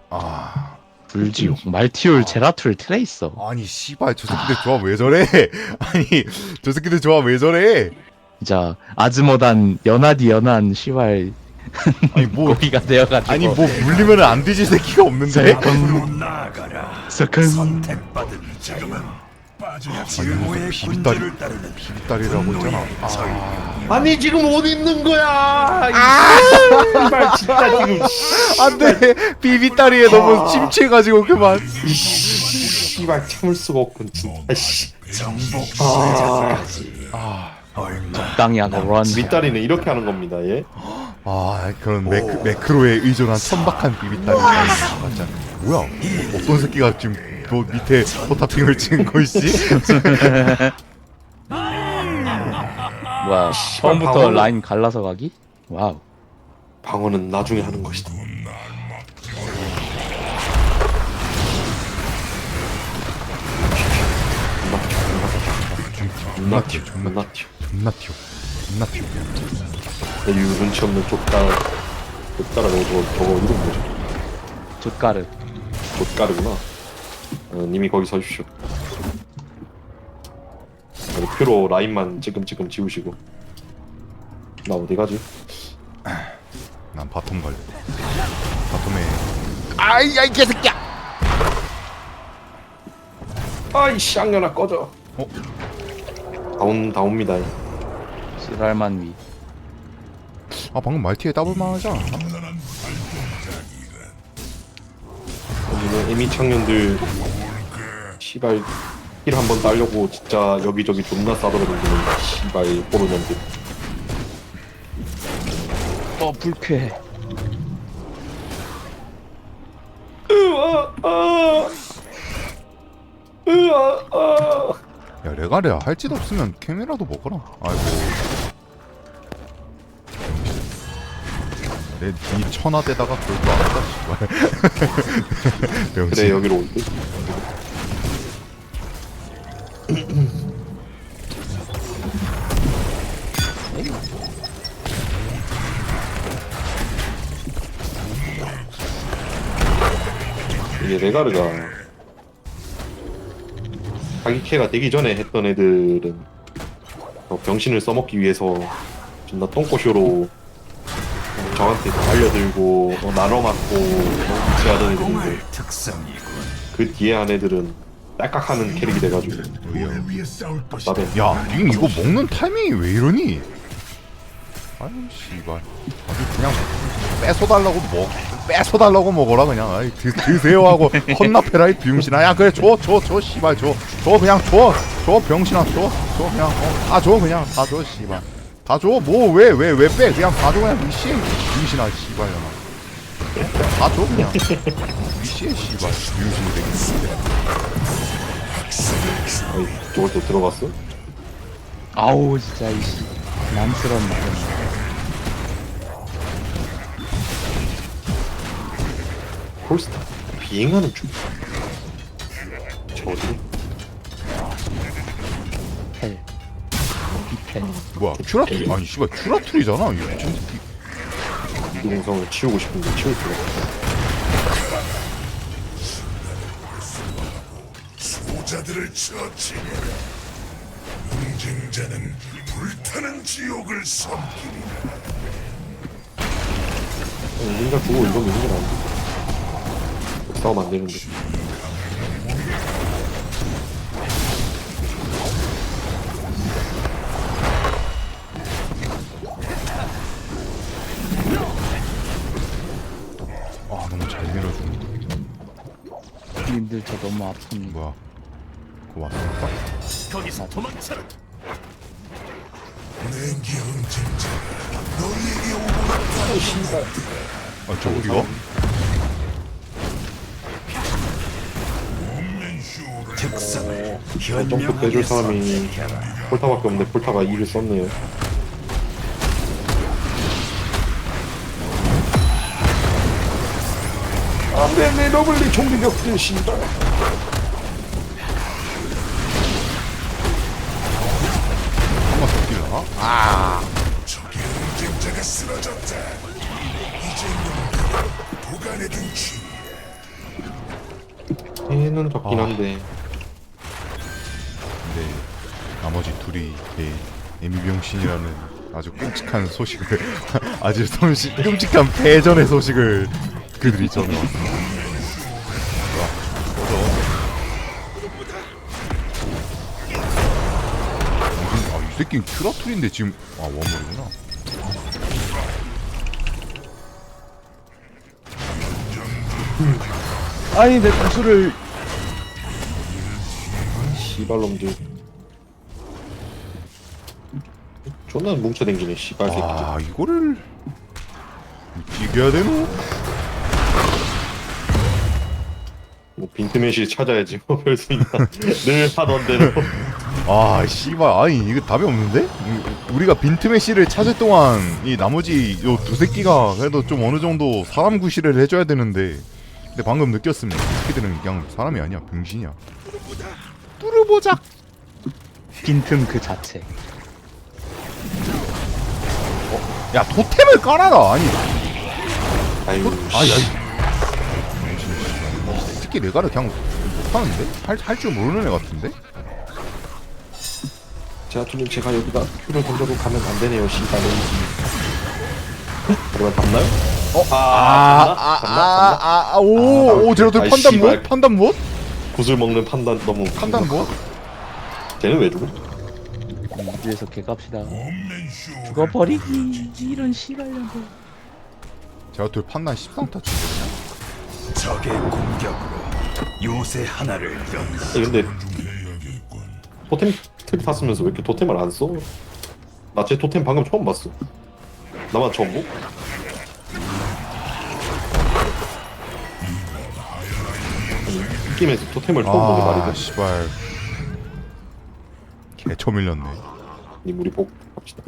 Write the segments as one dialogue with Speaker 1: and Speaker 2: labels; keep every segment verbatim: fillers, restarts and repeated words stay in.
Speaker 1: 아
Speaker 2: 불지옥 말티올
Speaker 1: 아.
Speaker 2: 제라툴 트레이서.
Speaker 1: 아니 씨발 저 새끼들 조합 왜 저래? 아니 저 새끼들 조합 왜 저래?
Speaker 2: 진짜 아즈모단 연하디 연한 시발
Speaker 1: 아니 뭐
Speaker 2: 고기가 되어가지고.
Speaker 1: 아니 뭐 물리면 안 뒤질 새끼가 없는데?
Speaker 2: 셀컹
Speaker 3: 나아가라.
Speaker 2: 셀컹.
Speaker 3: 선택받은 지금은 빠져야 증오의
Speaker 1: 비비딸이
Speaker 3: 군대를 따르는
Speaker 1: 비비딸이라고 했잖아. 아
Speaker 4: 아니 지금 어디 있는 거야? 이발 진짜 지금
Speaker 1: 안돼 비비딸이에 너무 침체해가지고 그만.
Speaker 4: 씨발 참을 수가 없군 진짜. 씨.
Speaker 3: 정복
Speaker 4: 아,
Speaker 1: 아,
Speaker 3: 얼마
Speaker 2: 적당히 하고 런.
Speaker 4: 밑다리는 이렇게 하는 겁니다. 예.
Speaker 1: 아 그런 매크, 매크로에 의존한 천박한 비비딸이 맞아. 뭐야? 어떤 새끼가 지금 뭐 밑에 포탑핑을 찍은 거 있지?
Speaker 2: 뭐야 처음부터
Speaker 4: 방어는-
Speaker 2: 라인 갈라서 가기? 와우.
Speaker 4: 방어는 나중에 하는 것이다.
Speaker 1: 존나 튀어, 존나
Speaker 4: 존나 튀어.
Speaker 1: 존나 튀어, 존나 튀어.
Speaker 4: 내 눈치 없는 족따 족따라고 저거 저거 이름 뭐죠?
Speaker 2: 족가르.
Speaker 4: 족가르구나. 어, 님이 거기 서주십시오. 표로 라인만 찔끔찔끔 지우시고. 나 어디 가지?
Speaker 1: 난 바텀 갈래. 바텀에 아이 야이 개새끼야.
Speaker 4: 아이씨 악년아 꺼져.
Speaker 1: 어?
Speaker 4: 다운 다옵니다.
Speaker 2: 씨발만 위.
Speaker 1: 아 방금 말티에 더블만 하지 않았나?
Speaker 4: 여기는 에미 청년들 시발 힐 한번 따려고 진짜 여기저기 존나 싸돌아다니는 시발 포르년들.
Speaker 2: 어 불쾌해.
Speaker 4: 으아 아 으아 아
Speaker 1: 야 레가레야 할 짓 없으면 캠이라도 먹어라. 아이고 내니 천하대다가 그럴 줄 알았다 씨발. 병신.
Speaker 4: 그래 여기로 올 듯. 이게 레가르가 자기 캐가 되기 전에 했던 애들은 어, 병신을 써먹기 위해서 존나 똥꼬쇼로 저한테 알려들고 어, 나눠 맞고 어, 위치하던 애들인데
Speaker 3: 특성이군.
Speaker 4: 그 뒤에 한 애들은 딸깍하는 캐릭이 돼가지고
Speaker 3: 뭘 위해 싸울 것이다.
Speaker 4: 나도
Speaker 1: 야, 님 이거 먹는 타이밍이 왜 이러니? 아유, 씨발. 아주 그냥 뺏어달라고 먹, 뺏어달라고 먹어라 그냥. 아이, 드, 드세요 하고 헌납해라 이 병신아. 야, 그래 줘, 줘, 줘, 씨발 줘, 줘 그냥 줘, 줘 병신아 줘, 줘 그냥 어, 다 줘 그냥 다 줘, 씨발. 다 줘, 뭐 왜 왜 왜 빼? 그냥 다 줘 그냥 미씨, 병신아 씨발려나. 다 줘 그냥. 미씨의 씨발, 병신이 되겠는데.
Speaker 4: 어이, 저걸 또 들어갔어?
Speaker 2: 아우 진짜 이씨 난스러운 말이야.
Speaker 4: 폴스타 비행하는 중. 저 어디?
Speaker 2: 헬. 비펠.
Speaker 1: 뭐야, 큐라툴? 아니 씨발 큐라툴이잖아. 이 미친 새끼.
Speaker 4: 이동성을 치우고 싶은데 치울 수가 없어.
Speaker 3: 수호자들을 처치해라. 응징자는 불타는 지옥을 섬기리라.
Speaker 4: 인간 주고 이거 있는 건 아닌데. 싸우면 안 되는데.
Speaker 1: 아 너무 잘 밀어주는데.
Speaker 2: 님들 저 너무 아픈.
Speaker 1: 뭐야? 그거 왔을까?
Speaker 3: 거기서 도망쳐라. 냉기 응징자 너희에게 오고
Speaker 1: 아 저 어디가?
Speaker 3: 특성을
Speaker 4: 점프 빼줄 사람이 폴타밖에 없는데 폴타가 이를 썼네요. 안돼 내 러블리 좀비 격들 씨발.
Speaker 1: 한번 더 뛰려나? 아
Speaker 3: 적의 응징자가 쓰러졌다. 이제 용기를 보관해둔 치
Speaker 4: 얘는 적긴
Speaker 1: 아.
Speaker 4: 한데
Speaker 1: 근데 나머지 둘이 내 에미병신이라는 아주 끔찍한 소식을 아주 솜씨, 끔찍한 패전의 소식을 그들이 전해왔습니다. 와, 꺼져. 무슨, 아, 이 새끼는 큐라툴인데 지금 아 원물이구나.
Speaker 2: 아니 내 구슬을
Speaker 4: 씨발놈들 존나 뭉쳐댕기네 씨발 새끼들.
Speaker 1: 아 이거를 이겨야 되노?
Speaker 4: 뭐 빈틈의실 찾아야지 뭐 별 수 있나. 늘 하던 대로.
Speaker 1: 아 씨발 아니 이거 답이 없는데? 우- 우리가 빈틈의 씨를 찾을 동안 이 나머지 요 두 새끼가 그래도 좀 어느 정도 사람 구실을 해줘야 되는데 근데 방금 느꼈습니다. 이 새끼들은 그냥 사람이 아니야 병신이야. 뚫어보자.
Speaker 2: 빈틈 그 자체.
Speaker 1: 야 토템을 깔아라. 아니
Speaker 4: 아유
Speaker 1: 아야 이 새끼 내가를 그냥 못하는데? 할 줄 모르는 애 같은데?
Speaker 4: 제아투님 제가 여기다 큐를 던져도 가면 안 되네요 씨발놈. 그러면 답나요? 어? 아, 답나? 답나? 답나?
Speaker 1: 아아아오오 제로들
Speaker 4: 아이,
Speaker 1: 판단
Speaker 4: 씨발.
Speaker 1: 무엇? 판단 무엇?
Speaker 4: 구슬 먹는 판단 너무
Speaker 1: 판단 무엇?
Speaker 4: 쟤는 왜 죽어?
Speaker 2: 위에서 개갑시다.
Speaker 3: 없는 쇼.
Speaker 2: 죽어버리기 이런 씨발년들.
Speaker 1: 제로들 판단 십삼 타 치거든요.
Speaker 3: 적의 공격으로 요새 하나를 연.
Speaker 4: 근데
Speaker 3: 해야겠군.
Speaker 4: 토템 탭 탔으면서 왜 이렇게 토템을 안 써? 나 쟤 토템 방금 처음 봤어. 나만 처음 보? 아니, 느낌에서 토템을 처음 보는
Speaker 1: 아
Speaker 4: 말이다.
Speaker 1: 씨발 개쳐 밀렸네.
Speaker 4: 님 우리 복 합시다.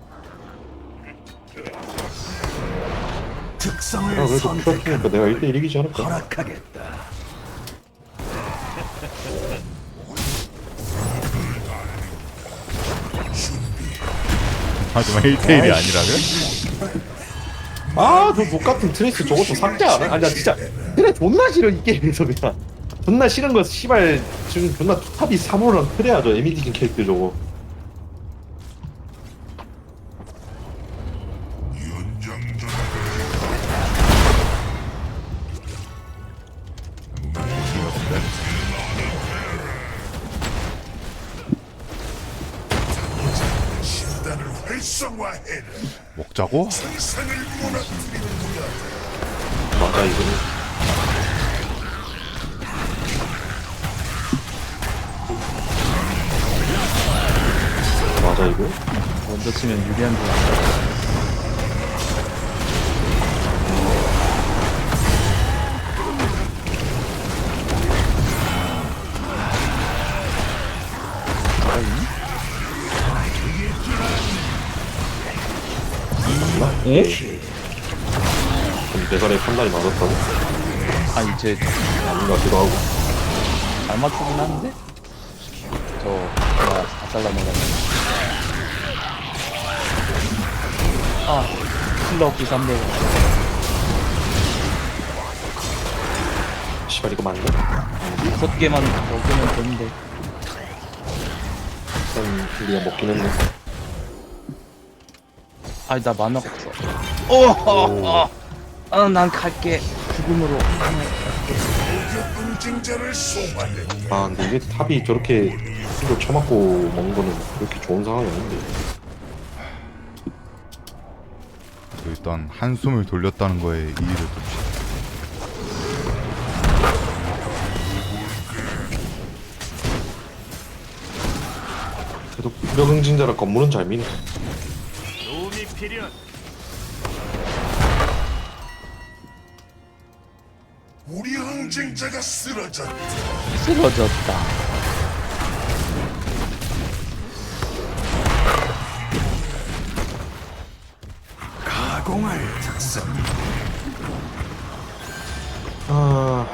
Speaker 3: 특성을
Speaker 4: 아 그래도
Speaker 3: 선택한
Speaker 4: 큐라투니까 내가 일 대 일 이기지 않을까?
Speaker 3: 허락하겠다.
Speaker 1: 하지만 일 대 일이 아니라면?
Speaker 4: 아저 족같은 트레이스 저거 좀 삭제 안 해? 아니 나 진짜 트레 존나 싫어 이 게임에서 그냥 존나 싫은 거 씨발 지금 존나 탑이 사모랑 트레야 저 에미디진 캐릭터 저거.
Speaker 3: 연장전 신단을 활성화해라.
Speaker 1: 먹자고?
Speaker 3: 세상을 무너뜨리는
Speaker 4: 맞아 이거. 맞아 이거.
Speaker 2: 먼저 치면 유리한 줄 알아. 에?
Speaker 4: 그럼 대가리 판단이 맞았다고?
Speaker 2: 아니 쟤
Speaker 4: 아닌 것 같기도 하고.
Speaker 2: 잘 맞추긴 하는데? 저 내가 다 잘라내가지고. 아 킬러 부산대가.
Speaker 4: 씨발 이거 맞네?
Speaker 2: 여섯 개만 먹으면 되는데.
Speaker 4: 일단 우리가 먹긴 했네.
Speaker 2: 아니 나 만화가 없어. 어, 어, 난 갈게. 죽음으로.
Speaker 3: 응징자를 소환해.
Speaker 4: 아 근데 이게 탑이 저렇게 이걸 쳐맞고 먹는 거는 그렇게 좋은 상황이 아닌데.
Speaker 1: 일단 한숨을 돌렸다는 거에 이의를 둡시다.
Speaker 4: 그래도 무력 응징자라 건물은 잘 미네.
Speaker 3: 도움이 필요한. 우리 응징자가 쓰러졌다.
Speaker 2: 쓰러졌다.
Speaker 3: 가공할 특성.
Speaker 4: 아.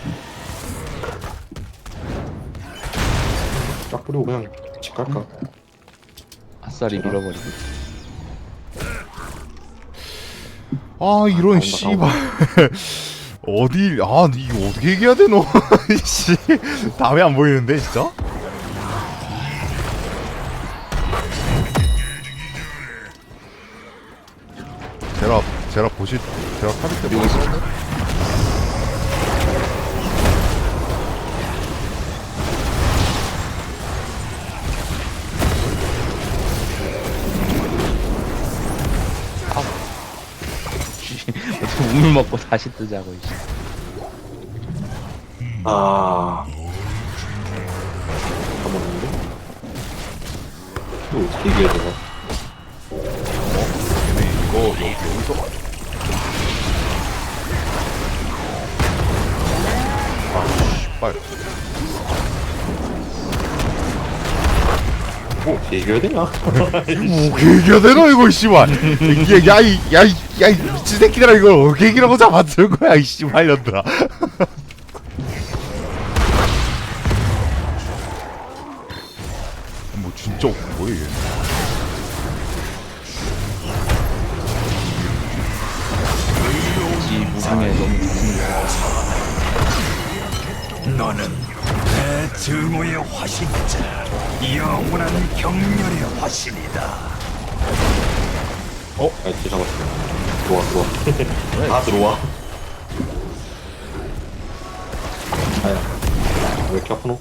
Speaker 4: 쫙 뿌리고 그냥 집 갈까?
Speaker 2: 아싸리 밀어버리고.
Speaker 1: 아 이런
Speaker 4: 나온다,
Speaker 1: 씨발 어디 아 이거 어떻게 얘기해야 되노? 씨 다음에 안 보이는데 진짜? 제라 제라 보실 제라 카드 때 보실
Speaker 2: 어떻게 우물 먹고 다시 뜨자고 이제.
Speaker 4: 아. 까먹었는데? 이거 어떻게 얘기해야 되나?
Speaker 1: 이거 여기 여기서 아 씨발
Speaker 4: 뭐 어떻게 얘기해야 되냐?
Speaker 1: 뭐 얘기해야 되나 이거 씨발 이게 야이 야이 야이 미친 새끼들아 이걸 어떻게 얘기라고 잡아들 거야 이 씨발 년들아 뭐 진짜 뭐야 얘
Speaker 2: 이 무상에 너무 좋습니다.
Speaker 3: 너는 내 증오의 화신이자 영원한 경멸의 화신이다.
Speaker 4: 어? 아, 이제 잡았어. 들어와, 들어와. 다 들어와. 아야. 왜 이렇게 아프노?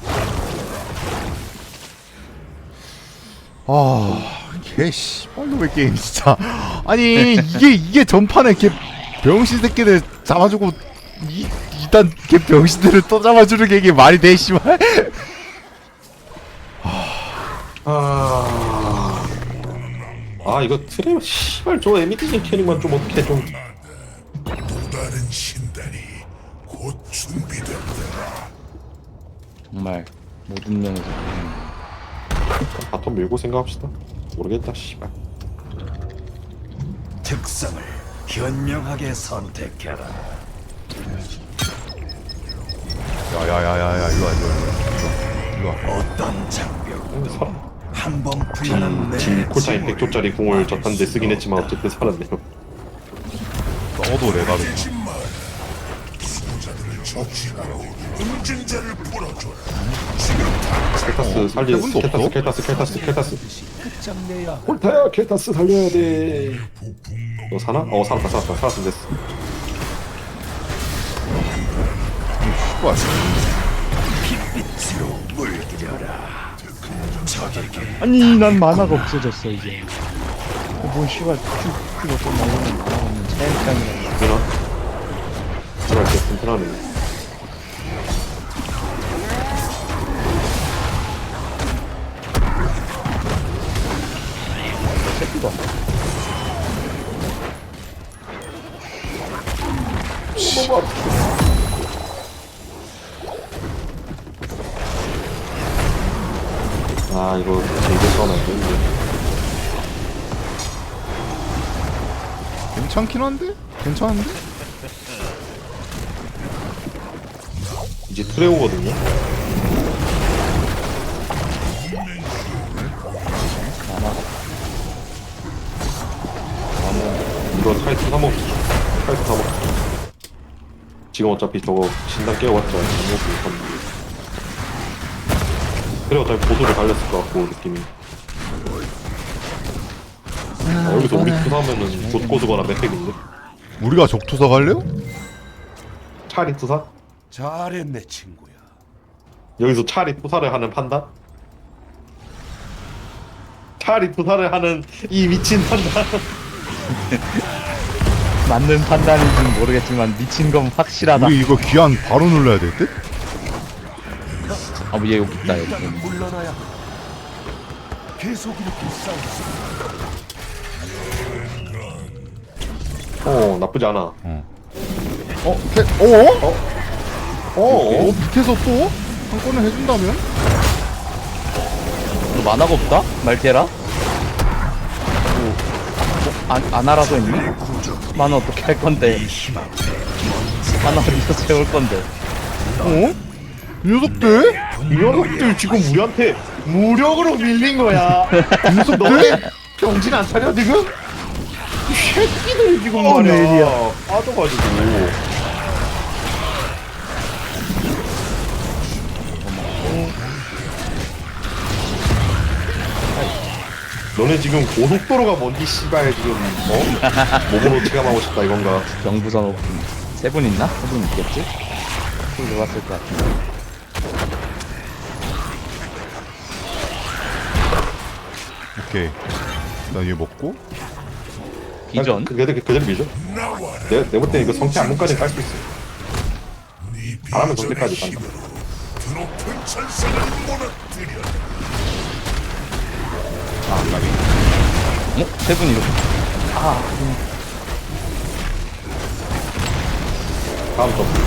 Speaker 1: 아, 개 씨발놈의 게임 진짜. 아니 이게 이게 전판에 개 병신 새끼들 잡아주고 이 일단 개 병신들을 또 잡아주는 게 이게 말이 돼 씨발.
Speaker 4: 아. 아, 이거 트레, 씨발, 저 에미티 캐릭만 좀 어떻게 좀.
Speaker 3: 또 다른 신단이 곧 준비된다.
Speaker 2: 정말 모든 면에서 보는
Speaker 4: 바텀 밀고 생각합시다. 모르겠다, 씨발.
Speaker 3: 특성을 현명하게 선택해라.
Speaker 1: 야야야야야 일로 와 일로 와 일로 와 일로 와.
Speaker 3: 어떤 장벽
Speaker 4: 근데 살아.
Speaker 3: 한번 풀려는 내
Speaker 4: 진 콜타임
Speaker 3: 징후를
Speaker 4: 백 조짜리 궁을 졌한데 쓰긴 했지만 어쨌든 살았네요.
Speaker 1: 너도 레가르.
Speaker 3: 수호자들을 처치하고 응징자를 풀어줘라.
Speaker 4: 켈타스 살리
Speaker 1: 해본도
Speaker 4: 켈타스
Speaker 1: 없어?
Speaker 4: 켈타스 켈타스 켈타스 콜타야 켈타스 살려야 돼. 너 사나? 어 살았다 살았다 살았으면 됐어.
Speaker 1: 씨발.
Speaker 3: 빛으로 물들여라. 적에게
Speaker 2: 아니 난 만화가 없어졌어 이제. 뭔 씨발 쭉 먹고 나오는 만화가 없는 차일장이야.
Speaker 4: 되나? 제발 진짜 튼튼하네.
Speaker 2: 새끼가.
Speaker 4: 아 이거 제이드 싸움 안 되는데.
Speaker 1: 괜찮긴 한데? 괜찮은데?
Speaker 4: 이제 트레오거든요. 이거 타이트 사먹 타이트 사먹. 지금 어차피 저거 신당 깨워봤자 안 먹고 있었는데. 그래 어차피 보도를 달렸을 것 같고 느낌이. 아, 여기서 우리 투사하면은 곧고수거나 맵팩인데.
Speaker 1: 우리가 적투사 갈래요?
Speaker 4: 차리 투사?
Speaker 3: 잘했네 친구야.
Speaker 4: 여기서 차리 투사를 하는 판단? 차리 투사를 하는 이 미친 판단.
Speaker 2: 맞는 판단인지는 모르겠지만 미친 건 확실하다.
Speaker 1: 우리 이거 귀환 바로 눌러야 될 듯?
Speaker 2: 아, 뭐 얘 여기 있다 여기.
Speaker 3: 물러나야 계속 이렇게 싸우지.
Speaker 4: 어 나쁘지 않아.
Speaker 1: 어. 어? 캐, 어? 어?
Speaker 4: 어?
Speaker 1: 어? 밑에서 또? 한 건을 해준다면?
Speaker 2: 너 만화가 없다? 말테라? 뭐, 뭐, 안, 안 알아서 했니? 만화 어떻게 할 건데? 만화 어디서 세울 건데?
Speaker 1: 어? 이 녀석들?
Speaker 4: 이 녀석들 지금 우리한테 무력으로 밀린 거야.
Speaker 1: 이 녀석들?
Speaker 4: 너네 정신 안 차려 지금? 이 새끼들이 지금
Speaker 2: 어,
Speaker 4: 말이야.
Speaker 2: 내일이야.
Speaker 4: 빠져가지고. 너네 지금 고속도로가 뭔지 씨발 지금 어? 몸으로 체감하고 싶다 이건가?
Speaker 2: 경부선 오픈 세 분 있나? 세 분 있겠지? 좀 들어갔을 것 같은데.
Speaker 1: 오케이. 나 얘 먹고.
Speaker 2: 비전?
Speaker 4: 그- 그대로 그대로 밀죠. 내가 내가 볼 때 이거 성체 안무까지 깔 수 있어. 바람은 성체까지 간다.
Speaker 3: 드높은 천상을 무너뜨려.
Speaker 1: 아, 까비.
Speaker 2: 어? 세 분 이렇게. 아,
Speaker 4: 다음 점프.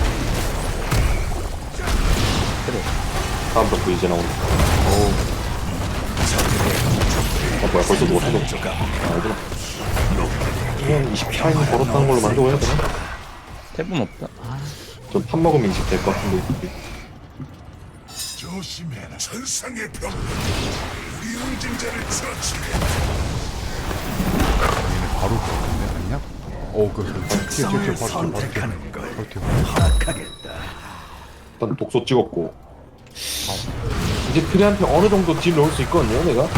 Speaker 2: 그래.
Speaker 4: 다음 점프 이제 나온다. 어 뭐야 벌써 누웠어? 아 얘들아. 그냥 이십 타임 걸었다는 걸로 만들어야 되나?
Speaker 2: 세 분 없다. 아,
Speaker 4: 좀 판 먹으면 이십 될 것 같은데.
Speaker 3: 조심해라. 천상의 병. 우리 응징자를 처치해.
Speaker 1: 얘네 바로 들어갔네, 아니냐? 어, 그, 그, 튀어, 튀어, 튀어, 바로 튀어, 바로 튀어.
Speaker 3: 선택하는 걸
Speaker 1: 바로 튀어.
Speaker 3: 파악하겠다.
Speaker 4: 일단 독소 찍었고. 이제 트리한테 어느 정도 딜 넣을 수 있거든요, 내가.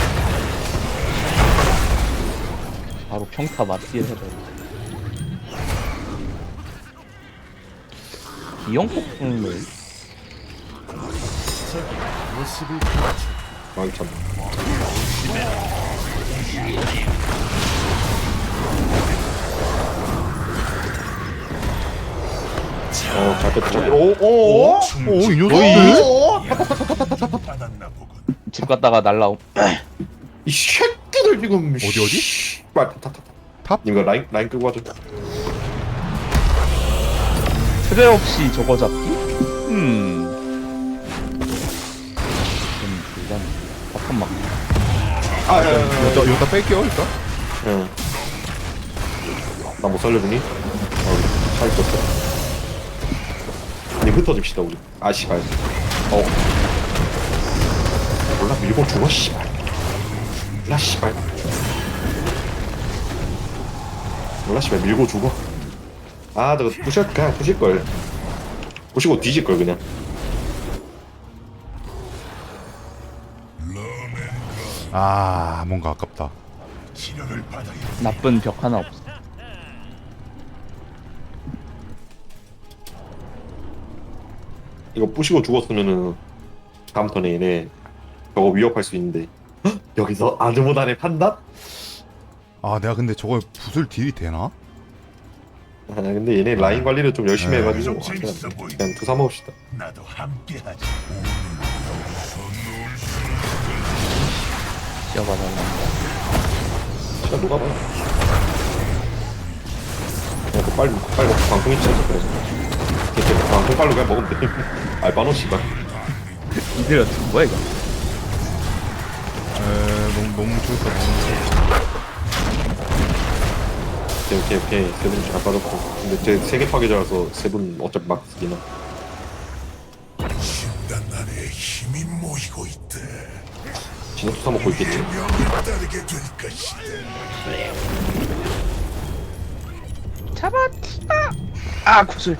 Speaker 2: 바로 평타 맞기를 해줘. 이영폭풍을
Speaker 3: 모습을
Speaker 4: 아, 참. 어, 잘 뺐다, 잘 뺐다. 오, 오, 오,
Speaker 1: 오, 이 녀석들?
Speaker 3: 받았나 보군.
Speaker 2: 집 갔다가 날라옴.
Speaker 4: 이 새끼들 지금.
Speaker 1: 어디, 어디?
Speaker 4: 빨리 탑, 탑, 탑.
Speaker 1: 탑?
Speaker 4: 이거 라인, 라인 끄고 하죠.
Speaker 2: 트레 없이 저거 잡기? 음. 좀 불가능. 잠깐만.
Speaker 4: 아, 야, 야, 야, 야.
Speaker 1: 이거 다 뺄게요, 일단.
Speaker 4: 응. 나 못 살려주니? 어, 차 있었어. 우리 흩어집시다, 우리. 아, 씨발. 어. 몰라, 밀고 죽어, 씨발. 몰라, 씨발. 몰라, 씨발, 밀고 죽어. 아, 저거 부셔, 그냥 부실걸. 부시고 뒤질걸, 그냥.
Speaker 1: 아, 뭔가 아깝다.
Speaker 3: 치료를 받아야
Speaker 2: 나쁜 벽 하나 없어.
Speaker 4: 이거 부시고 죽었으면은 다음 턴에 얘네 저거 위협할 수 있는데 헉? 여기서 아드모단의 판단?
Speaker 1: 아, 내가 근데 저걸 붓을 딜이 되나?
Speaker 4: 아 근데 얘네 라인 관리를 좀 열심히
Speaker 1: 네.
Speaker 4: 해가지고
Speaker 3: 좀 재밌어
Speaker 4: 그냥,
Speaker 3: 보이네.
Speaker 4: 그냥 투사 먹읍시다.
Speaker 3: 나도 함께하지.
Speaker 2: 씌워봐달라.
Speaker 4: 진짜 누가 봐요. 그냥 그 빨리 빨리 먹고 방송이 치자 그래서 이렇게 방송 빨로 그냥 먹으면 돼. 알바노 씨발.
Speaker 2: 이들 어떻게 뭐야 이거?
Speaker 1: 에, 너무, 너무 좋다, 너무 좋다.
Speaker 4: 오케이 오케이 오케이 세 분 잘 빠졌고 근데 제 세계 파괴자라서 세 분 어차피 막 쓰기나.
Speaker 3: 신단 안에 힘이 모이고 있대.
Speaker 4: 진짜 투사 먹고 있겠지.
Speaker 3: 명을 따르게 될 것이다.
Speaker 2: 잡았다. 아 구슬.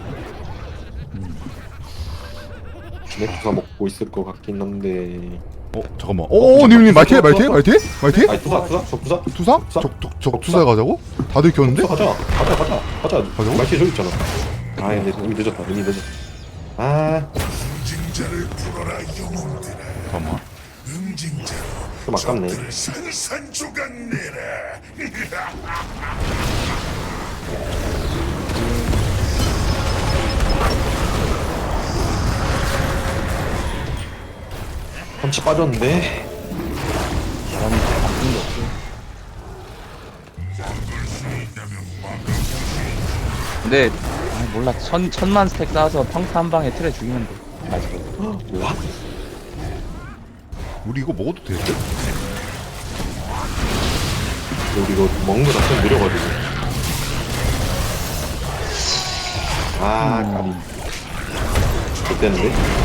Speaker 4: 진짜 투사 먹고 있을 것 같긴 한데.
Speaker 1: 어, 잠깐만. 오, 님님, 말티에, 말티에, 말티에? 말티에?
Speaker 4: 아니 투사 투사 저 투사
Speaker 1: 투사?
Speaker 4: 투사?
Speaker 1: 적, 적, 적, 투사 가자고? 다들 켰는데?
Speaker 4: 가자 가자 가자 가자
Speaker 1: 가자고?
Speaker 4: 말티 저기 있잖아. 아 근데 이미 늦었다 이미 늦었다. 아
Speaker 3: 응징자를 풀어라 영웅들아.
Speaker 1: 잠깐만.
Speaker 3: 응징자로
Speaker 4: 좀 아깝네.
Speaker 3: 적들을 산산조각 내라.
Speaker 4: 펀치 빠졌는데.
Speaker 2: 바람이 바뀐 게 없어. 근데 아, 몰라 천 천만 스택 쌓아서 평타 한 방에 틀에 죽이면 돼. 아직도.
Speaker 4: 와?
Speaker 1: 우리 이거 먹어도 돼?
Speaker 4: 우리 이거 먹는 거 자체가 느려가지고. 아 까비. 좋대는데?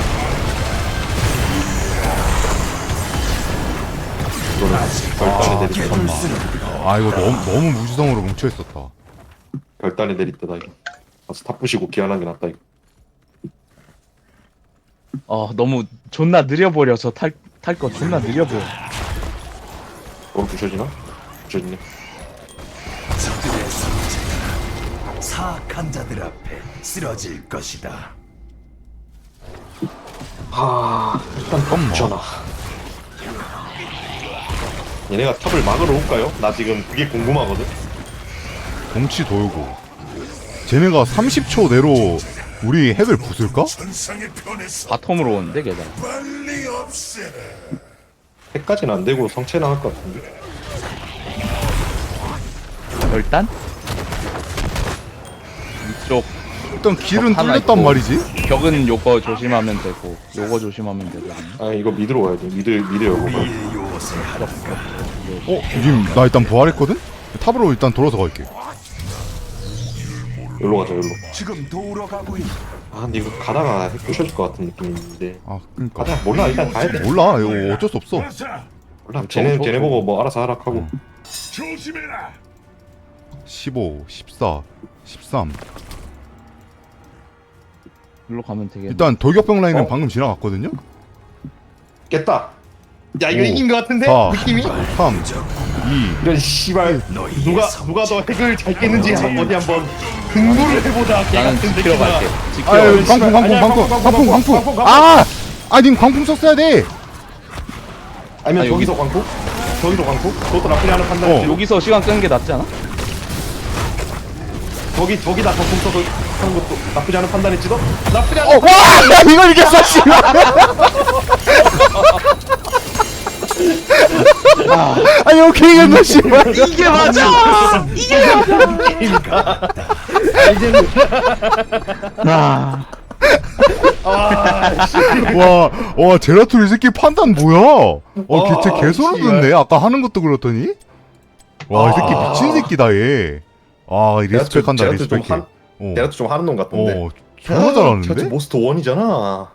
Speaker 4: 이거는 결단에 내리다.
Speaker 1: 아, 이거 너무, 너무 무지성으로 뭉쳐있었다.
Speaker 4: 결단에 내리다 이거. 가서 탑 부시고 기한한 게 낫다 이거.
Speaker 2: 어 너무 존나 느려버려서 탈 탈 거 존나 느려 보여.
Speaker 4: 어 부셔지나? 부셔지네.
Speaker 3: 적들의 성체가 사악한 자들 앞에 쓰러질 것이다.
Speaker 4: 아 일단 top 전화. 얘네가 탑을 막으러 올까요? 나 지금 그게 궁금하거든.
Speaker 1: 덩치 돌고 쟤네가 삼십 초 내로 우리 핵을 부술까?
Speaker 3: 천상의 편에서
Speaker 2: 바텀으로 오는데 게다가.
Speaker 3: 빨리 없애라.
Speaker 4: 핵까지는 안 되고 성체 나올 것 같은데.
Speaker 2: 일단 이쪽
Speaker 1: 일단 길은
Speaker 2: 하나
Speaker 1: 뚫렸단
Speaker 2: 있고.
Speaker 1: 말이지.
Speaker 2: 벽은 요거 조심하면 되고 요거 조심하면 되거든요.
Speaker 4: 아 이거 미드로 가야 돼. 미드 미드 열고 가.
Speaker 3: 우리의 요새 하나가
Speaker 1: 어, 님, 나 일단 부활했거든? 탑으로 일단 돌아서 갈게.
Speaker 4: 열로 가자 열로.
Speaker 3: 지금 돌아가고 있다.
Speaker 4: 아 근데 이거 가다가 핵 부셔질 것 같은 느낌인데.
Speaker 1: 아, 그니까.
Speaker 4: 가자 몰라 일단 가야 돼.
Speaker 1: 몰라, 이거 어쩔 수 없어.
Speaker 3: 가자.
Speaker 4: 몰라 쟤네 쟤네 보고 뭐 알아서 하락하고.
Speaker 3: 조심해라.
Speaker 1: 십오, 십사, 십삼.
Speaker 2: 일로 가면 되겠네.
Speaker 1: 일단 돌격병 라인은
Speaker 4: 어?
Speaker 1: 방금 지나갔거든요?
Speaker 4: 깼다. 야 이거
Speaker 1: 오,
Speaker 4: 이긴 것 같은데
Speaker 1: 사,
Speaker 4: 느낌이.
Speaker 1: 삼, 이.
Speaker 4: 이런 씨발
Speaker 3: 너희의
Speaker 4: 누가
Speaker 3: 성체가
Speaker 4: 누가 더 핵을 잘 깼는지 한- 어디 한번 등구를 해보자. 개
Speaker 2: 나는
Speaker 4: 같은
Speaker 2: 지키러
Speaker 4: 느낌아.
Speaker 2: 갈게. 지키러
Speaker 1: 아유,
Speaker 2: 갈게.
Speaker 1: 광풍, 광풍,
Speaker 4: 아니야,
Speaker 1: 광풍,
Speaker 4: 광풍,
Speaker 1: 광풍, 광풍.
Speaker 4: 광풍, 광풍.
Speaker 1: 아! 아, 님 광풍 썼어야 돼!
Speaker 4: 아니면
Speaker 2: 아,
Speaker 4: 저기서 광고? 저기서 광고? 그것도 나쁘지 않은 판단이지.
Speaker 1: 어.
Speaker 2: 여기서 시간 끄는 게 낫지 않아?
Speaker 4: 저기 저기다 광고 써서 하는 것도 나쁘지 않은 판단일지도. 나쁘지 않은.
Speaker 1: 어, 와! 나 이걸 이겼어, 씨발! 아니, 오케이, 이겼네, 씨발!
Speaker 2: 이게 맞아!
Speaker 4: 이제는
Speaker 2: 아,
Speaker 1: 와, 와, 제라툴 이 새끼 판단 뭐야? 어,
Speaker 4: 와,
Speaker 1: 걔, 쟤 개소름
Speaker 4: 씨발.
Speaker 1: 돋네. 아까 하는 것도 그렇더니? 와, 이 새끼
Speaker 4: 아.
Speaker 1: 미친 새끼다, 얘. 아, 리스펙한다,
Speaker 4: 제라툴 좀
Speaker 1: 리스펙해.
Speaker 4: 한-
Speaker 1: 어,
Speaker 4: 내가 좀 하는 놈 같던데.
Speaker 1: 어, 존나 잘하는데?
Speaker 4: 제라툴 모스트 원이잖아.